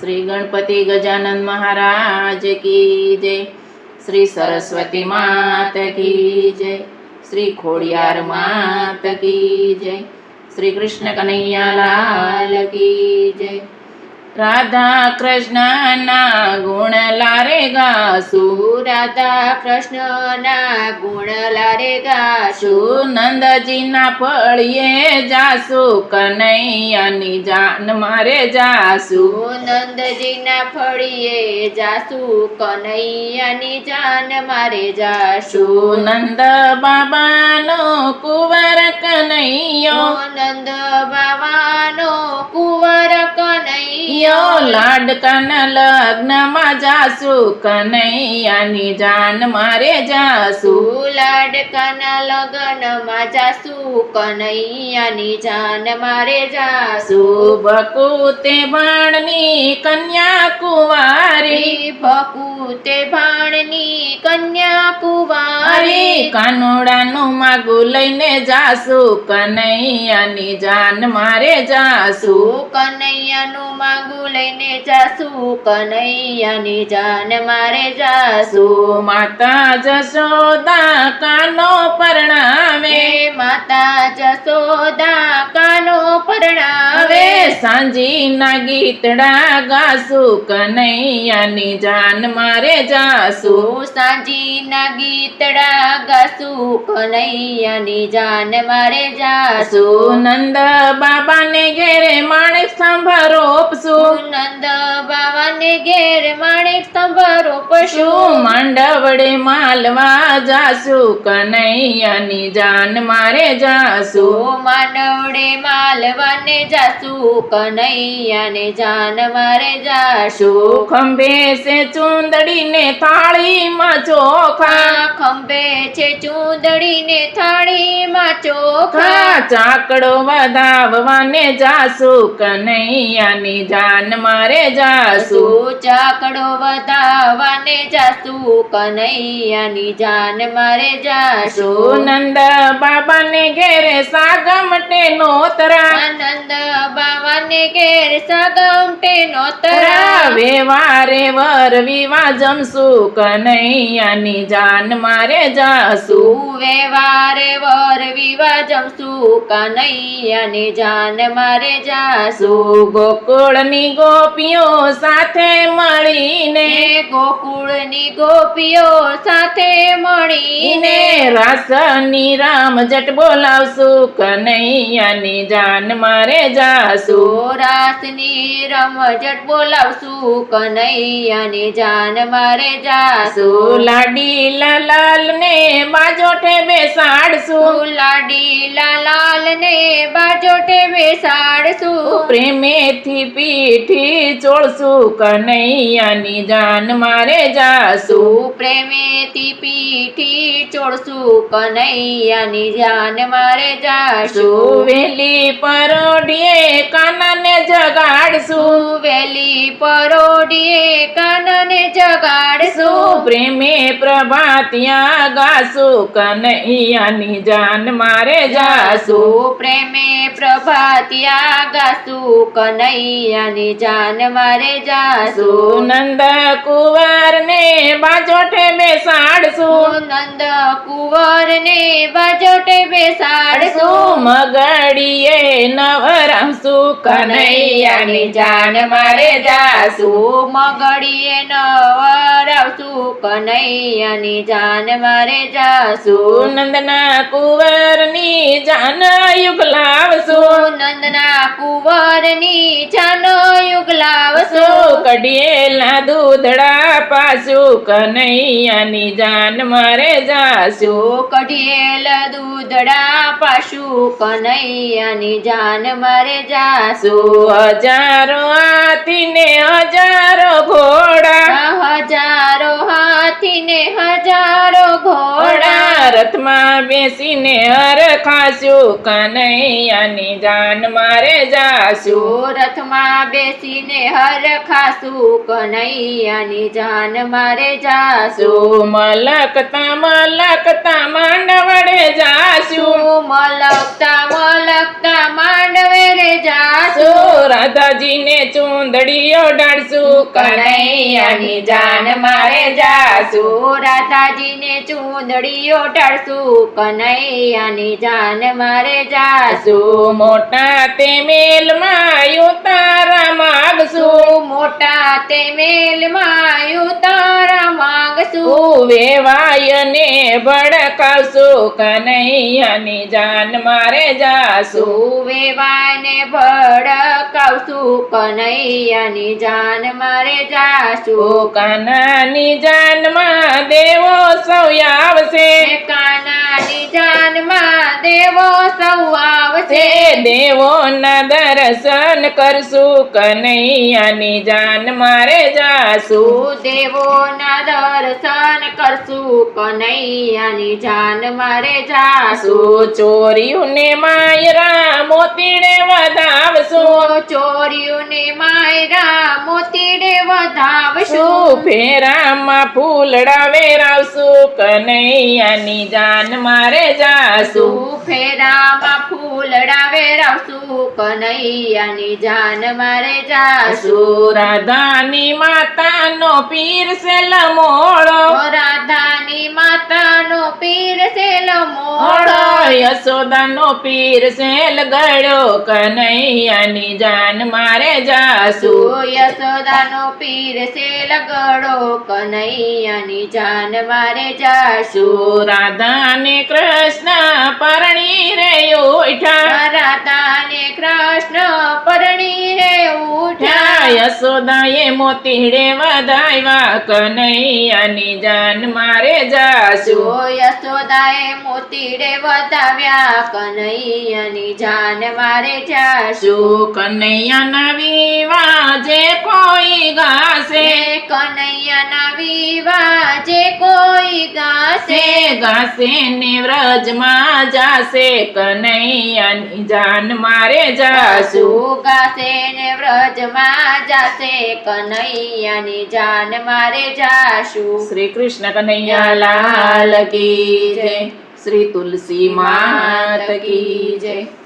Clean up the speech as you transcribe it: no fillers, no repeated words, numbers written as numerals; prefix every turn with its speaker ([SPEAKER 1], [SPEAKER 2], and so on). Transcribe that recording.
[SPEAKER 1] श्री गणपति गजानन महाराज की जय। श्री सरस्वती मात की जय। श्री खोड़ियार मात की जय। श्री कृष्ण कन्हैया लाल की जय। राधा कृष्ण ना गुण लारे गासु,
[SPEAKER 2] राधा कृष्ण ना गुण लारे गासु,
[SPEAKER 1] नंद जी ना फळिये जासु, कन्हैयानी जान मारे जासु।
[SPEAKER 2] नंद जी ना फळिये जासु, कन्हैयानी जान मारे जासु।
[SPEAKER 1] नंद बाबानो कुंवर कन्हैयो,
[SPEAKER 2] नंद बाबानो कुंवर कन्हैयो,
[SPEAKER 1] लाडकाना लग्न માં જાસુ, કનૈયાની જાન મારે જાસુ।
[SPEAKER 2] લાડકાના લગ્નમાં જાસુ, કનૈયાની જાન મારે જાસુ।
[SPEAKER 1] ભકુતે ભાણની કન્યા કુંવારી,
[SPEAKER 2] ભકુતે ભાણની કન્યા કુંવારી,
[SPEAKER 1] કાનોડાનું માગું લઈને જાસુ, કનૈયાની જાન મારે જાસુ।
[SPEAKER 2] કનૈયાનું માગું લઈને જાસુ, કનૈયાની જાન મારે જાસુ।
[SPEAKER 1] માતા જશોદા કાનો પરણાવે,
[SPEAKER 2] માતા જશોદા કાનો પરણાવે,
[SPEAKER 1] સાંજીના ગીતડા ગાસુ, કનૈયાની જાન મારે જાસુ।
[SPEAKER 2] સાંજીના ગીતડા ગાસુ, કનૈયાની જાન મારે જાસુ।
[SPEAKER 1] નંદ બાબાને ઘેરે માણેક સ્તંભ રોપસુ,
[SPEAKER 2] નંદ બાવાને ઘેર માણેક સ્તંભ રોપસુ।
[SPEAKER 1] માંડવડે માલવા જાસુ, કનૈયાની જાન મારે જાસુ।
[SPEAKER 2] માંડવડે માલવાને જાસુ, કનૈયાને જાન મારે જાસુ।
[SPEAKER 1] ખંભે સે ચૂંદડીને થાળીમાં ચોખા,
[SPEAKER 2] ખંભે છે ચૂંદડીને થાળીમાં ચોખા।
[SPEAKER 1] ચાકડો વધાવવાને જાસુ, કનૈયાની જાન મારે જાસુ।
[SPEAKER 2] ચાકડો વધાવવાને જાસુ, કનૈયાની જાન મારે જાસુ।
[SPEAKER 1] નંદ બાબાને ઘેરે સાગમટે નોતરા,
[SPEAKER 2] નંદ બાવાને ઘેર સાગમટે નોતરા।
[SPEAKER 1] વેવારે વર વિવા જમસુ, કનૈયાની જાન મારે જાસુ।
[SPEAKER 2] વેવારે વર વિવા જમસુ, કનૈયાની જાન મારે જાસુ।
[SPEAKER 1] ગોકુળની ગોપીઓ સાથે મળીને,
[SPEAKER 2] ગોકુળની ગોપીઓ સાથે મળીને,
[SPEAKER 1] રાસની રામજટ બોલાવસુ, કનૈયાની જાન મારે જાસુ।
[SPEAKER 2] રાસની રમઝટ બોલાવસુ, કનૈયાની જાન મારે જાસુ।
[SPEAKER 1] લાડીલા લાલ ને બાજોઠે બેસાડસુ,
[SPEAKER 2] લાડીલા લાલ ને બાજોટે બેસાડસુ।
[SPEAKER 1] પ્રેમેથી પીઠી ચોળસુ, કનૈયાની જાન મારે જાસુ।
[SPEAKER 2] પ્રેમેથી પીઠી ચોળસુ, કનૈયાની જાન મારે જાસુ।
[SPEAKER 1] વેલી પરોઢીએ કાનાને જગાડસુ,
[SPEAKER 2] વેલી પરોઢીએ કાનને જગાડસુ।
[SPEAKER 1] પ્રેમે પ્રભાતિયા ગાસુ, કનૈયાની જાન મારે જાસુ।
[SPEAKER 2] પ્રેમે પ્રભાતિયા ગાસુ, કનૈયાની જાન મારે જાસુ।
[SPEAKER 1] નંદ કુંવર ને બાજોઠે બેસાડસુ,
[SPEAKER 2] નંદ કુંવર ને બાજોટે બેસાડસુ।
[SPEAKER 1] મગડીએ નવરાવસુ, કનૈયાની જાન મારે જાસુ।
[SPEAKER 2] મગડીએ નવરાવસુ, કનૈયાની જાન મારે જાસુ।
[SPEAKER 1] નંદના કુંવરની જાન યુગલાવસુ,
[SPEAKER 2] નંદના કુંવરની જાન યુગલાવસુ।
[SPEAKER 1] કઢિયેલા દૂધડા પાસુ, કનૈયાની જાન મારે જાસુ।
[SPEAKER 2] કઢિયેલ દૂધડા પાસુ, કનૈયાની જાન મારે જાસુ।
[SPEAKER 1] હજારો હાથી ને હજારો ઘોડા,
[SPEAKER 2] હજારો હાથી ને હજારો ઘોડા,
[SPEAKER 1] રથમાં બેસીને હરખાશું કનૈયાની જાન મારે જાશું
[SPEAKER 2] રથમાં બેસીને હર ખાશું કનૈયાની જાન મારે જાશું
[SPEAKER 1] મલકતા માંડવડે જાશું
[SPEAKER 2] મલકતા માંડવે રે જાશું
[SPEAKER 1] રાધાજીને ચૂંદડીઓ ડાળશું કનૈયાની જાન મારે જાશું
[SPEAKER 2] રાધાજીને ચૂંદડીઓ ટાળશું કનૈયાની જાન મારે જાશું
[SPEAKER 1] મોટા તે મેલમાં ઉતારા માગશું
[SPEAKER 2] મોટા તે મેલમાં ઉતારા માંગશું
[SPEAKER 1] વેવાયને ભડકાવશું કનૈયાની જાન મારે જાશું
[SPEAKER 2] વેવાને ભડકાવશું કનૈયાની જાન મારે જાશું
[SPEAKER 1] કાનાની જાનમાં દેવો સૌ આવશે
[SPEAKER 2] કાનાની જાનમાં દેવો સૌ આવશે
[SPEAKER 1] દેવોના દર્શન કરશું કનૈયાની જાન મારે જાશું
[SPEAKER 2] દેવોના દર્શન કરશું કનૈયાની જાન મારે જાશું
[SPEAKER 1] ચોર્યુંને માયરા મોતીડે વધાવશું
[SPEAKER 2] ચોરીઓને માયરા મોતીડે વધાવશું
[SPEAKER 1] ફેરામાં ફૂલડા વેરાવશું કનૈયાની જાન મારે જાશું
[SPEAKER 2] ફેરામાં ફૂલડા વેરાવશું કનૈયાની જાન મારે જાશું
[SPEAKER 1] રાધાની માતાનો પીર છે લમોળો
[SPEAKER 2] રાધાની માતાનો પીર છે લમોળો
[SPEAKER 1] યશોદાનો પીર છે લગડ્યો કનૈયાની જાન મારે જાશું
[SPEAKER 2] યશોદાનો પીર છે લગડો કનૈયાની જાન મારે જાશું
[SPEAKER 1] રાધાને કૃષ્ણ પરણી રે ઉઠ્યા
[SPEAKER 2] રાધાને કૃષ્ણ પરણી રે ઉઠ્યા
[SPEAKER 1] યશોદાએ મોતીડે વધાવ્યા કનૈયાની જાન મારે જાશું
[SPEAKER 2] યશોદાએ મોતીડે વધાવ્યા કનૈયાની જાન મારે જાશું
[SPEAKER 1] કનૈયાના વિવાહ જે કોઈ ગાશે
[SPEAKER 2] કનૈયાના વિવાહ જે કોઈ ગાશે
[SPEAKER 1] ગાશે ને વ્રજમાં જાશે કનૈયાની જાન મારે જાશું
[SPEAKER 2] ગાશે ને વ્રજમાં જાશે કનૈયાની જાન મારે જાશું
[SPEAKER 1] શ્રી કૃષ્ણ કનૈયા લાલ કી જય શ્રી તુલસી માત કી જય